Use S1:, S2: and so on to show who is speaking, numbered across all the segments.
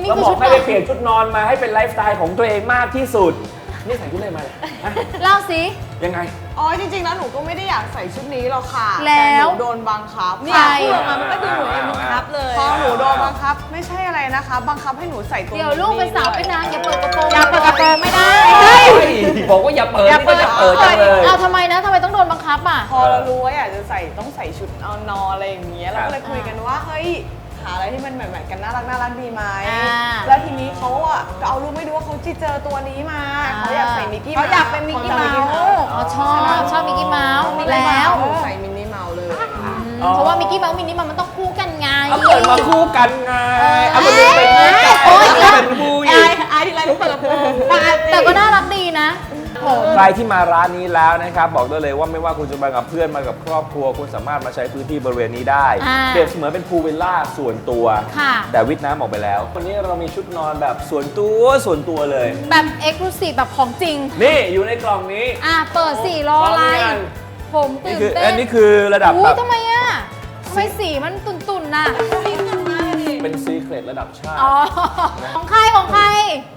S1: เราบอกให้ไปเปลี่ยนชุดนอนมาให้เป็นไลฟ์สไตล์ของตัวเองมากที่สุดนี่ใส่ชุดอะไรมาฮะ
S2: เล่าสิ
S1: ยังไง
S3: อ๋อจริงๆแล้วหนูก็ไม่ได้อยากใส่ชุดนี้หรอกค่ะ
S2: แล้ว
S3: ต่หนูโดนบังคับ
S2: ใคร
S3: พูดออกมามันก็ดูเหมือนเป็นบังคับเลยพอหนูโดนบังคับไม่ใช่อะไรนะคะ บังคับให้หนูใส่ตัว
S2: เดี๋ยวลูกเป็นสาวเป็นนางอย่าเปิดกระโปรง
S3: อย่าเปิดกระโปรงไม่ได้
S1: บอกว่าอย่าเปิดนี่ก็จะเปิดจังเลย
S2: เอาทำไมนะทำไมต้องโดนบังคับอ่ะ
S3: พอเรารู้ว่าอยากจะใส่ต้องใส่ชุดเอานอนอะไรอย่างเงี้ยเราก็เลยคุยกันว่าเฮ้ยหาอะไรที่มันแบบกันน่ารักดีไหม
S2: อ่า
S3: แล้วทีนี้เขาอ่ะก็เอารูปไม่ดูว่าเขาเจอตัวนี้มาเขาอยากใส่มิกกี้เขาอยากเป็นมิกกี้เมาส์
S2: อ๋อชอบมิกกี้เมาส์แล้ว
S3: ใส่มินนี่เมาส์เลย
S2: เพราะว่ามิกกี้เมาส์มินนี่มันต้องคู่กันไง
S1: เอาเปิดมาคู่กันไงเอามาดูเป็นคู่กัน
S2: โอ๊ย
S1: เป็นคู่อีก
S3: ไอ้ที่ไรหนูเปิดกระโปรง
S2: แต่ก็น่ารักดีนะโห
S1: ใครที่มาร้านนี้แล้วนะครับบอกได้เลยว่าไม่ว่าคุณจะมากับเพื่อนมากับครอบครัวคุณสามารถมาใช้พื้นที่บริเวณนี้ได้
S2: อ่า
S1: เปรียบเสมือนเป็นพูลวิลล่าส่วนตัว
S2: ค่ะ
S1: แต่วิทย์น้ำออกไปแล้ววันนี้เรามีชุดนอนแบบส่วนตัวเลย
S2: แบบเอ็กซ์คลูซีฟแบบของจริง
S1: นี่อยู่ในกล่องนี้
S2: เปิดสีรออะไร
S1: พร้อมหรือยัง
S2: ผมตื่
S1: นี่
S2: น
S1: คือ
S2: เต้
S1: อั
S2: น
S1: นนี้คือระดับ
S2: อุ้
S1: แบ
S2: ย
S1: บ
S2: ทำไมอ่ะทำไมสีมันตุ่นๆน่ะ
S1: เป็นซีเครตระดับชาติ
S2: อ๋อ ของใครของใคร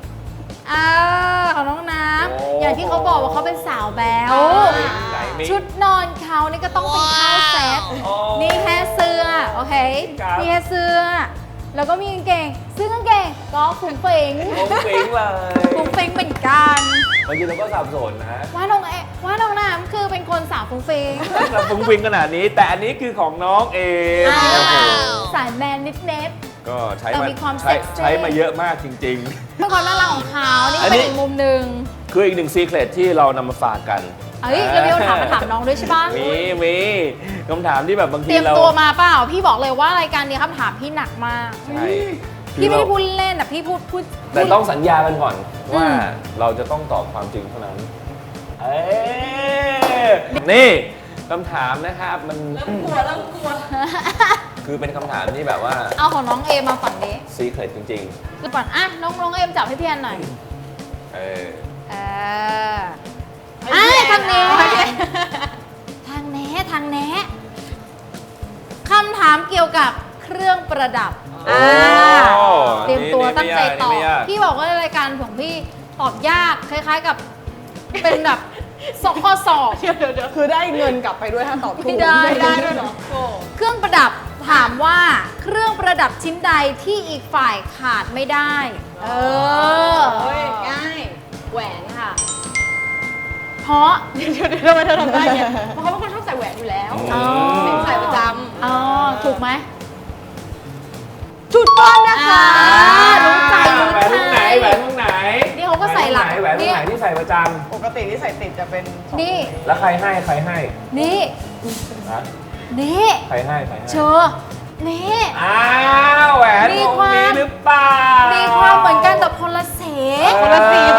S2: ของน้องน้
S1: โอ้
S2: ำอย่างที่เขาบอกว่าเขาเป็นสาวแบ๊ว
S1: ไหนมี
S2: ชุดนอนเขานี่ก็ต้องเป็นข้าวเซ็ต
S1: โอ้
S2: นี่แค่เสื้อ โอเค
S1: ครับ
S2: นี่แค่เสื้อ แล้วก็มีกางเกงซึ่งกางเกงก็ฟุ้งเฟิง
S1: โอ้เฟ้งเลย
S2: ฟุ้งเฟิงเหมือนกัน
S1: บางทีเราก็สับสนนะ
S2: ว่าน้องน้ำคือเป็นคนสาวฟุ้งเฟิง
S1: เราฟุ้งฟิงขนาดนี้ แต่อันนี้คือของน้องเอง
S2: สายแมนนิดเน็ต
S1: ก็ใช้
S2: แต่
S1: มา
S2: มีความ
S1: ใช้
S2: เซ็กซี่
S1: ใช้มาเยอะมากจริง
S2: เป็นความน่ารักของเขานี่
S1: อัน
S2: เป็
S1: นี้
S2: นอีกมุมหนึ่ง
S1: ๆ คืออีกหนึ่งซีเครตที่เรานำมาฝากกัน
S2: เอ้ยแล้วมีคำถามมาถามน้องด้วยใช่ปะ
S1: มีคำถามที่แบบบาง
S2: เต
S1: ที
S2: รียม
S1: เรา
S2: ตัวมาเปล่า พี่บอกเลยว่ารายการนี้คำถามพี่หนักมาก
S1: ใช่
S2: พี่ไม่ได้
S1: คือ
S2: พูดเล่นแต่พี่พูด
S1: แต่ต้องสัญญากันก่อนว่า
S2: อืม
S1: เราจะต้องตอบความจริงเท่านั้น เอ้ยนี่คำถามนะครับมัน
S3: เริ่มกลัว
S1: คือเป็นคำถามที่แบบว่า
S2: เอาของน้องเอมาฝั่งนี้
S1: ซีเครตจริง
S2: คือก่อนน้องเอมจับให้พี่แอนหน่อย
S1: ๆ เออ
S2: เออทางนี้ทางแนะคำถามเกี่ยวกับเครื่องประดับ
S1: โอ้
S2: เตรียมตัวตั้งใจตอบ
S1: นี่ไม่ยาก
S2: พี่บอกว่ารายการของพี่ตอบยากคล้ายๆกับเป็นแบบสอบข้อสอบ
S3: คือได้เงินกลับไปด้วยถ้าตอบถูก
S2: ไม่ได้
S3: ด้วยเหรอโอ้
S2: เครื่องประดับถามว่าเครื่องประดับชิ้นใดที่อีกฝ่ายขาดไม่ได้ เออ
S3: เฮ้ยง่ายแหวนค่ะ
S2: เพราะ
S3: เดี๋ยวทำไมเธอทำได้เนี่ยเพราะเขาเป็นคนชอบใส่แหวนอยู่แล้ว
S2: อ๋อ
S3: ใส่ประจ
S2: อ๋อถูกไหม
S3: ำจุดต้นนะคะ
S2: รู้ใจ
S1: แหวนวงไหนแหวนวงไหน
S2: นี่เขาก็ใส่หลัง
S1: แหวนวงไหนที่ใส่ประจ
S3: ปกติที่ใส่ติดจะเป็นสอง
S2: นี่
S1: ำแล้วใครให้ใครให้
S2: นี่
S1: นะ
S2: นี่
S1: ใครให้ใครให้
S2: เชอนี่
S1: อ้าวแหวน
S2: มี
S1: วง
S2: ความ
S1: นี้หรือเปล่า
S2: มี
S1: มี
S2: ความเหมือนกันแต่คนละสี
S3: คนละสี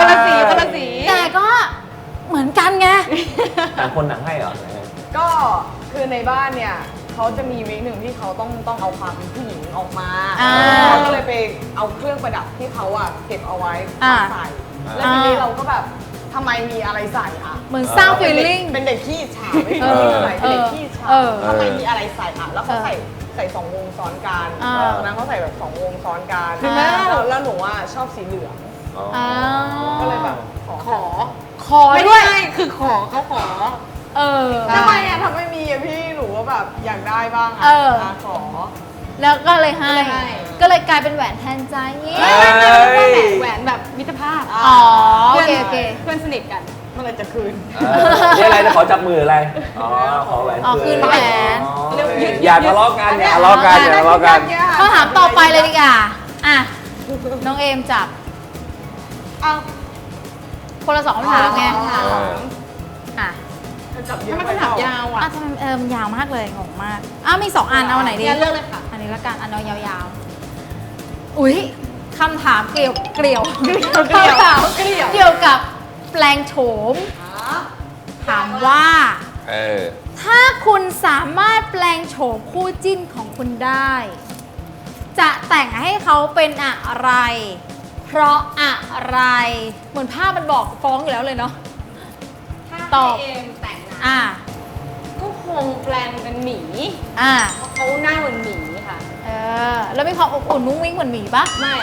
S2: แต่ก็เหมือนกันไง
S1: ต่างคนต่างให้เหรอ
S3: ก็คือในบ้านเนี่ยเขาจะมีวีคหนึ่งที่เขาต้องเอาความเป็นผู้หญิงออกมา
S2: อ่า
S3: เขาก็เลยไปเอาเครื่องประดับที่เขาอะเก็บเอาไว้
S2: อ่า
S3: มาใส่ แล้วทีนี้เราก็แบบทำไมมีอะไรใส่อะ
S2: เหมือนสร้างฟีลลิ่ง
S3: เป็นเด็กขี้อิจฉาไม่ใช่เป็นอะไรเป็นเด็กขี้อิจฉา
S2: เออ
S3: ทำไมมีอะไรใส่อะแล้วเขาใส่สองวงซ้อนกัน
S2: อ่า
S3: ตอนนั้นเขาใส่แบบสองวงซ้อนกัน
S2: อ่า
S3: แล้วหนูอะชอบสีเหลือง
S1: อ๋อ
S2: อ๋อ
S3: ก็เลยแบบขอ
S2: ขอด้วย
S3: คือขอเขาขอ
S2: เออ
S3: ทำไมอะทำไมมีอะพี่หนูก็แบบอยากได้บ้างอะ
S2: เออ
S3: ะขอ
S2: แล้วก็เลยให้
S3: ก็เลยให้
S2: ก็เลยกลายเป็นแหวนแทนใจเงี้ย
S4: แหวนแบบมิตรภาพ
S2: อ๋อโอเคโอเค
S4: เพื่อนสนิทกัน
S3: เมื่อไหรจะคืน
S1: นี่อะไรนะขอจับมืออะไร อ๋อ ขอแหวน
S2: อ๋อคืนแหวน
S1: อ๋ออย่าทะเลาะกันอย่าทะเลาะกันอย่าทะเลาะกัน
S2: ข้อถามต่อไปเลยดีกว่าอ่ะ น้องเอมจับ
S3: เอา
S2: คนละสองคำถามไง
S1: เออ
S2: อ่ะ
S3: จับเยอะ
S4: ถ้ามัน
S3: ไป
S4: คำถามยาว
S2: อ่ะ
S4: อ่ะ
S2: ทำไมมันยาวมากเลยงงมากอ้าวมีสองอันเอาไหนดี
S4: งั้นเลือกเลยค่ะ
S2: อันนี้ละกันอันเอายาวๆ อุ๊ยคำถามเกี่ยวคำถามเกี่ยวกับแปลงโฉม ถามว่า
S1: เออ
S2: ถ้าคุณสามารถแปลงโฉมคู่จิ้นของคุณได้ จะแต่งให้เขาเป็นอะไร เพราะอะไร เหมือนภาพมันบอกฟ้องอยู่แล้วเลยเนาะ
S4: ถ้า
S2: ตอบ
S4: ให้เอมแต่งนะ
S2: อ่ะ
S4: ก็คงแปลงเป็นหมี
S2: อ่ะ
S4: เพราะเขาหน้าเหมือนหมีค่ะ
S2: แล้วมีความอบอุ่นมุ้งมิ้งเหมือนหมีปะ
S4: ไม่อะค่ะ
S2: อ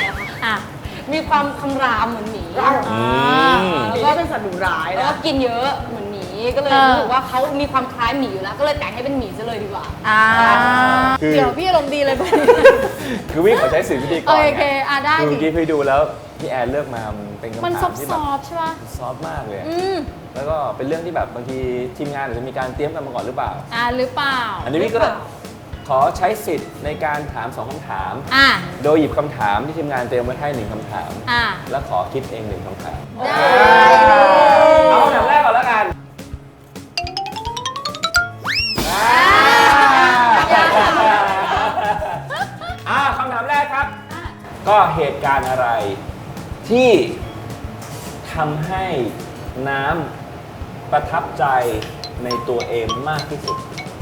S2: อ่ะ
S4: มีความคำรามเหมือนหมี
S1: อืม
S3: หมีก็เป็นสัตว์ดุร้าย
S4: แล้ว
S3: นะ
S4: ก็กินเยอะเหมือนหมีก็เลยรู้สึกว่าเขามีความคล้ายหมีอยู่แล้ว ก็เลยแต่งให้เป็นหมีซะเลยดีกว่า
S1: คือ
S2: เดี๋ยวพี่อารมณ์ดีเลยไป
S1: คือวิ่งขอใช้สื่อพิธีกร
S2: โอเคได้
S1: คือ
S2: ดิ
S1: เมื่อกี้พี่ดูแล้วพี่แอนเลือกมามันเป็นคำ
S2: มัน
S1: ถามที่
S2: ซ
S1: แบบ
S2: อฟๆใช่ปะ
S1: ซอฟต์มากเลย
S2: อืม
S1: แล้วก็เป็นเรื่องที่แบบบางทีทีมงานอาจจะมีการเตรียมกันมาก่อนหรือเปล่า
S2: หรือเปล่า
S1: อันนี้พี่ก็เลยขอใช้สิทธิ์ในการถาม 2คำถาม
S2: อ่ะ
S1: โดยหยิบคำถามที่ทีมงานเตรียมไว้ให้1คำถาม
S2: อ่ะ
S1: แล้วขอคิดเอง1คำถาม
S2: ได้
S1: เอาคำถามแรกก่อนแล้วกันคำถามแรกครับ ก็เหตุการณ์อะไรที่ทำให้น้ำประทับใจในตัวเอมมากที่สุด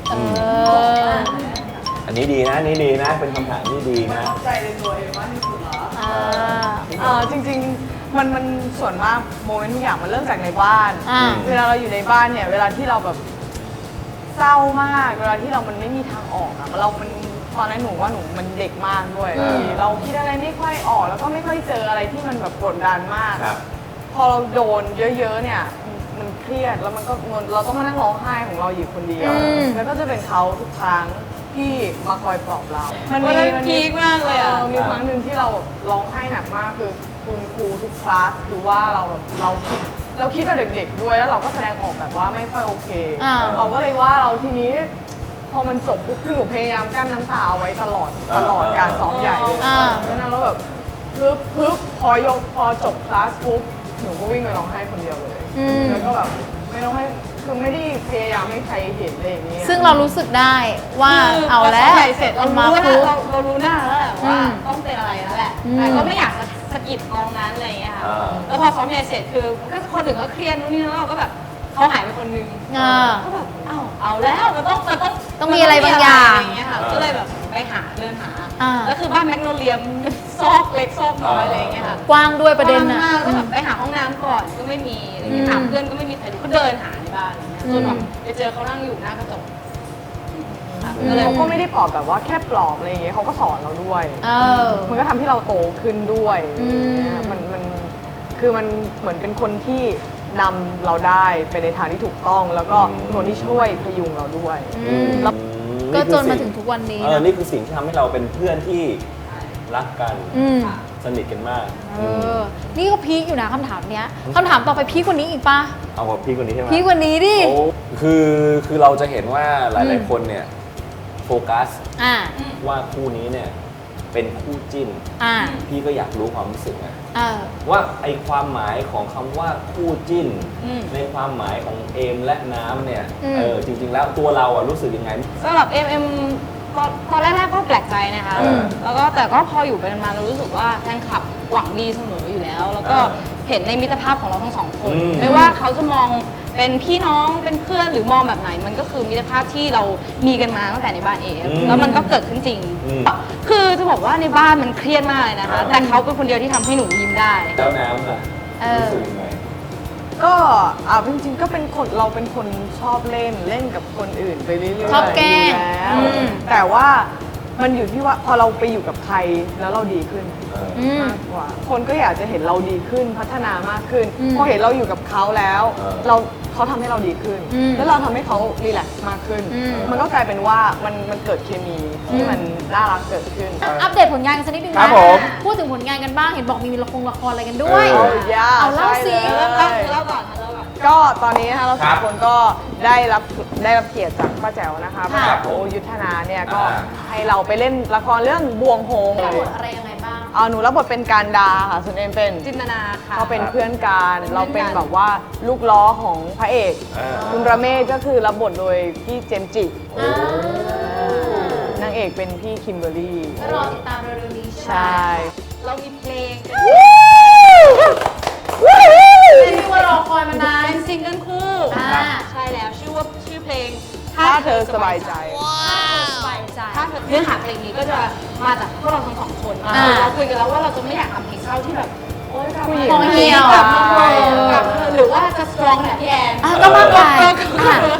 S1: อันนี้ดีนะนี่ดีนะ เป็นคำถามที่ดีนะ
S3: ใจในตัวเองมากที่สุดเหรอ
S2: อ่า
S3: จริงๆมันส่วนมากโมเมนต์ทุกอย่างมันเริ่มจากในบ้าน
S2: อ่า
S3: เวลาเราอยู่ในบ้านเนี่ยเวลาที่เราแบบเศร้ามากเวลาที่มันไม่มีทางออกอะมันตอนนั้นหนูว่าหนูมันเด็กมากด้วย เราคิดอะไรไม่ค่อยออกแล้วก็ไม่ค่อยเจออะไรที่มันแบบกดดันมาก
S1: ครับ
S3: พอเราโดนเยอะๆเนี่ยมันเครียดแล้วมันก็เราต้องมานั่งร้องไห้ของเราอยู่คนเดียว แล้วก็จะเป็นเขาทุกครั้งที่มาคอยปลอบเรา
S4: วันนั้นพีคมากเลยอะ
S3: มีครั้งหนึ่งที่เราร้องไห้หนักมากคือคุณครูทุกคลาสคือว่าเราคิดแบบเด็กๆด้วยแล้วเราก็แสดงออกแบบว่าไม่ค่อยโอเค เราก็เลยว่าเราทีนี้พอมันจบปุ๊บคือหนูพยายามกั้นน้ำตาเอาไว้ตลอดการซ้อมใหญ่เลยแล้วนั้นเราแบบปึ๊บพอจบคลาสปุ๊บหนูก็วิ่งไปร้องไห้คนเดียวเลยแล้วก็แบบไม่ต้องให้คือไม่ได้พยายามให้ใครเห็นอะไรอย่างนี้
S2: ซึ่งเรารู้สึกได้ว่าเอาแล้ว
S4: ใส่เสร็จเรา
S2: มา
S4: รู้
S2: ปุ๊บ
S4: แล้วเรารู้หน้าแล้วแหละว่า
S2: อืม
S4: ต้องเป็นอะไรแล้วแหละ
S2: อืม
S4: แต่ก็ไม่อยากจะสะกิดกองนั้นอะไรอย่างเงี้ยค่ะ แล้วพอซ้อมใหญ่เสร็จคือก็คนอื่นก็เครียดนู่นนี่แล้วเราก็แบบเขาหายไปคนนึง ก็แบบเอาแล้วมันต้อง
S2: มีอะไรบางอย่าง
S4: อะไรอย่างเงี้ยค่ะก็เลยแบบไปเดินหา
S2: อ่า
S4: แล้วคือบ้านแมกโนเลียมซอกเล็กซอกน้อยอะไรอย่างเงี้ยค่ะ
S2: กว้างด้วยประเด็น
S4: กว้าง
S2: นะ
S4: มากก็แบบไปหาห้องน้ำก่อนก็ไม่มีอะไรเงี้ยถามเพื่อนก็ไม่มีใครรู้ก็เดินหาในบ้านอะไรเงี้ยจนแบบไปเจอเขานั่งอยู่หน้ากระจกค่ะก็เลย
S3: เขาก็ไม่ได้ปลอบแบบว่าแค่ปลอบอะไรอย่างเงี้ยเขาก็สอนเราด้วย
S2: อ
S3: มันก็ทำให้เราโตขึ้นด้วย
S2: อืม
S3: มันคือมันเหมือนเป็นคนที่นำเราได้ไปในทางที่ถูกต้อง แล้วก็คนที่ช่วยพยุงเราด้วย
S2: แล้วก็จนมาถึงทุกวันนี้นะ
S1: นี่คือสิ่งที่ทำให้เราเป็นเพื่อนที่รักกัน
S2: อืม
S1: สนิทกันมาก
S2: นี่ก็พีคอยู่นะคำถามเนี้ยคำถามต่อไปพีคกว่านี้อีกปะ
S1: เอากับพี่คนนี้ใช่ไหม
S2: พีคกว่านี้ดิ
S1: โอ้คือเราจะเห็นว่าหลายๆคนเนี่ยโฟกัส
S2: อ่า
S1: ว่าคู่นี้เนี่ยเป็นคู่จิ้น
S2: อ่า
S1: พี่ก็อยากรู้ความรู้สึกนะ
S2: เออ
S1: ว่าไอความหมายของคำว่าคู่จิ้น
S4: อืม
S1: ในความหมายของเอมและน้ำเนี่ย
S2: อืม
S1: จริงๆแล้วตัวเราอะรู้สึกยังไง
S4: สำหรับเอ็มตอนแรกๆก็แปลกใจนะคะ
S1: อืม
S4: แล้วก็แต่ก็พออยู่ไปนานๆเรารู้สึกว่าแฟนคลับหวังดีเสมออยู่แล้ว แล้วก็เห็นในมิตรภาพของเราทั้งสองคน
S1: อืม
S4: ไม่ว่าเขาจะมองเป็นพี่น้องเป็นเพื่อนหรือมองแบบไหน มันก็คือมิตรภาพที่เรามีกันมาตั้งแต่ในบ้านเองแล้วมันก็เกิดขึ้นจริง คือจะบอกว่าในบ้านมันเครียดมากเลยนะคะ แต่เขาเป็นคนเดียวที่ทำให้หนูยิ้มได้
S1: แล้วน้ำอะ
S2: เออ
S1: รู้สึกยังไง
S3: ก็จริงๆก็เป็นคนเราเป็นคนชอบเล่นกับคนอื่นไปเรื่อยๆ
S2: ชอบแกล้ง
S3: อยู่แล้ว
S2: อืม
S3: แต่ว่ามันอยู่ที่ว่าพอเราไปอยู่กับใครแล้วเราดีขึ้น
S2: อืม
S3: มากกว่า คนก็อยากจะเห็นเราดีขึ้นพัฒนามากขึ้น
S2: อืม
S3: พอเห็นเราอยู่กับเขาแล้ว เขาทำให้เราดีขึ้น
S2: อืม
S3: แล้วเราทำให้เขารีแลกซ์มากขึ้น
S2: อืม
S3: มันก็กลายเป็นว่ามันเกิดเคมีที่มันน่ารักเกิดขึ้น
S2: อัปเดตผลงานกันสักนิดนึง
S1: ครั
S2: นะ
S1: บผม
S2: พูดถึงผลงานกันบ้าง เห็นบอกมีละครอะไรกันด้วย
S1: เออ
S2: เอาเล่าสิ
S3: ใช่เลย
S4: เล่าก่อนเล่าก่อน
S3: ก็ตอนนี้นะคะเรา
S1: ครั
S3: สา
S1: บ
S3: มคนก็ได้รับเกียรติจากป้าแจ๋วนะคะป้า
S1: ครั
S3: แจ๋
S1: บ
S3: วยุทธนาเนี่ยก็
S1: อ่า
S3: ให้เราไปเล่นละครเรื่องบวงโฮง
S2: บทอะไรยังไงบ้าง
S3: หนูรับบทเป็นการดาค่ะส่วนเอ็มเป็น
S4: จินตนาค่ะ
S3: เขาเป็นเพื่อนกัน
S4: เป็นเพื่อนกัน
S3: เราเป็นแบบว่าลูกล้อของพระเอก
S1: อ่า
S3: คุณระเมศก็คือรับบทโดยพี่เจมส์จินางเอกเป็นพี่คิมเบอร์รี่
S2: ก็รอติดตามเร็วๆนี้
S3: ใช่
S4: เรามีเพลง
S2: เป็นที่ว่ารอคอยมานาน
S4: เป็นซิงเกิลคู่
S2: อ่า
S4: ใช่แล้วชื่อเพลง
S3: ถ้าเธอสบายใจ
S2: สบายใจ
S4: ถ้าเธอเนื้อหาเพลงนี้ก็จะมาจากพวกเราทั้งสองคน
S2: อ่า
S4: เราคุยกันแล้วว่าเราจะไม่อยากทำเพลงเศร้าที่แบบโอ๊ยกลับ
S3: ผู้หญิง
S2: ของเหี่ยว
S4: กลับมาเถอะกลับมาเถอะหรือว่าจะสตรองแบบพี่แอน
S2: ก็มากไป
S4: คือ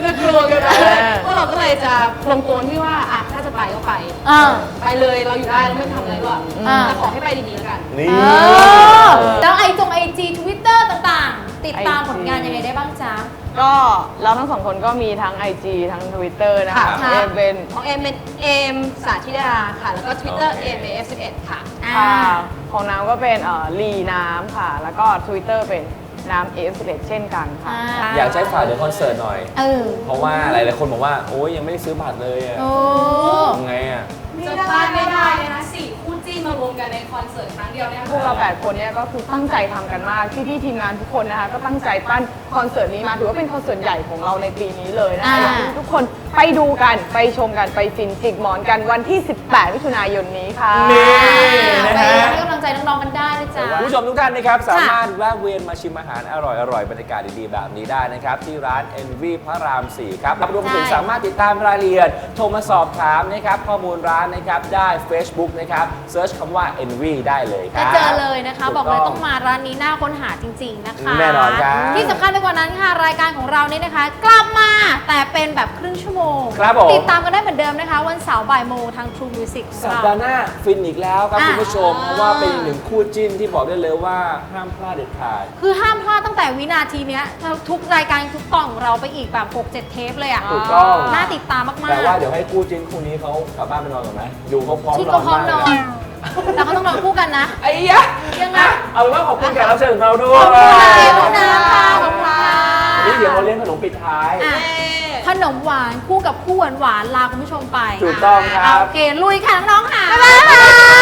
S4: จะกลัวกันไปพวกเราก็เลยจะลงตัวที่ว่าอ่ะถ้าจะไปก็ไป ไปเลยเราอยู่ได้เราไม่ทำอะไรหรอกแต่ขอให้ไปดีๆแล้วกัน
S1: นี่
S2: แล้วไอจีทวิตเตอร์ต่างๆ ติดตามผลงานยังไงได้บ้างจ๊ะ
S3: ก็เราทั้งสองคนก็มีทั้ง IG ทั้ง Twitter นะคะ
S2: ค่ะ
S3: เอมเป็น
S4: ของเอมเป็นเอมสาธิดาค่ะ แล้วก็ Twitter เอม F11 ค่ะ
S3: ของน้ำก็เป็นลีน้ำค่ะ แล้วก็ Twitter เป็นน้ำ F11 เช่นกันค่ะ
S1: อยากใช้ฝากเดี๋ยวคอนเสิร์ตหน่อย เพราะว่าหลายๆคนบอกว่าโอ้ยยังไม่ได้ซื้อบัตรเลยอะ
S2: โอ้
S1: ยังไงอะ
S4: จะพลาดไม่ได้เลยนะ4คู่จิ้นมารวมกันในคอนเสิร์ตครั้งเดียวเนี่ย
S3: พวกเรา8คนเนี่ยก็คือตั้งใจทำกันมากพี่ๆทีมงานทุกคนนะคะก็ตั้งใจปั้นคอนเสิร์ตนี้มาถือว่าเป็นคอนเสิร์ตใหญ่ของเราในปีนี้เลยนะคะอยากให้ทุกคนไปดูกันไปชมกันไปฟินจิกหมอนกันวันที่ 18 มิถุนายนนี้ค่ะ
S1: นี่
S2: ไป
S1: นะฮะ
S2: ให้กำลังใจน้องๆกันได้นะจ๊ะ
S1: คุณผู้ชมทุกท่านนะครับสามารถแวะเวียนมาชิมอาหารอร่อยๆบรรยากาศดีๆแบบนี้ได้นะครับที่ร้าน Envy พระราม 4 ครับรวมถึงสามารถติดตามรายละเอียดโทรมาสอบถามนะครับข้อมูลร้านนะครับได้ Facebook นะครับเซิร์ชคำว่า Envy ได้เลยค
S2: จะ
S1: รับ
S2: เจอเลยนะคะ บอกเลยต้องมาร้านนี้น่าค้นหาจริง ๆ นะคะ
S1: แน่นอนครับ
S2: ที่สำคัญไปกว่านั้นค่ะ รายการของเราเนี่ยนะคะ กลับมาแต่เป็นแบบครึ่งชั่วโมง
S1: ครับผม
S2: ติดตามกันได้เหมือนเดิมนะคะ วันเสาร์บ่ายโมงทาง True Music ของ
S1: สัป
S2: เรา
S1: ดาห์หน้าฟินอีกแล้วครับ
S2: อ่ะ
S1: คุณผู้ชม เพราะว่าเป็นอีกหนึ่งคู่จิ้นที่บอกได้เลยว่าห้ามพลาดเด็ดขาด
S2: คือห้ามพลาดตั้งแต่วินาทีเนี้ยทุกรายการทุกตอนของเราไปอีกแบบ 6-7 เทปเลยอ่ะ
S1: ถูกต้อง
S2: น่าติดตามมาก
S1: แต่ว่าเดี๋ยวให้คู่จิ้นคู่นี้เขากลับบ้านไปนอนก่อนไหมดูเขาพร้อม
S2: ๆที่
S1: น
S2: ก็
S1: อน
S2: พร้อม
S1: มาก
S2: น
S1: เล
S2: อย น แต่เขาต้องนอนคู่กันนะ
S1: ไอ้ยะ
S2: ยังไง
S1: เอาเป็นว่าขอบคุณแขกรับเชิญของเราด้วย
S2: ขอบคุณนะค่ะขอบคุณค่ะ
S1: วันนี้เดี๋ยวเราเลี้ยงขนมปิดท้าย
S2: อ่ะขนมหวานคู่กับคู่หวานๆลาคุณผู้ชมไป
S1: ถูกต้องครับ
S2: โอเค ลุยค่ะน้องๆค่ะ บ๊ายบาย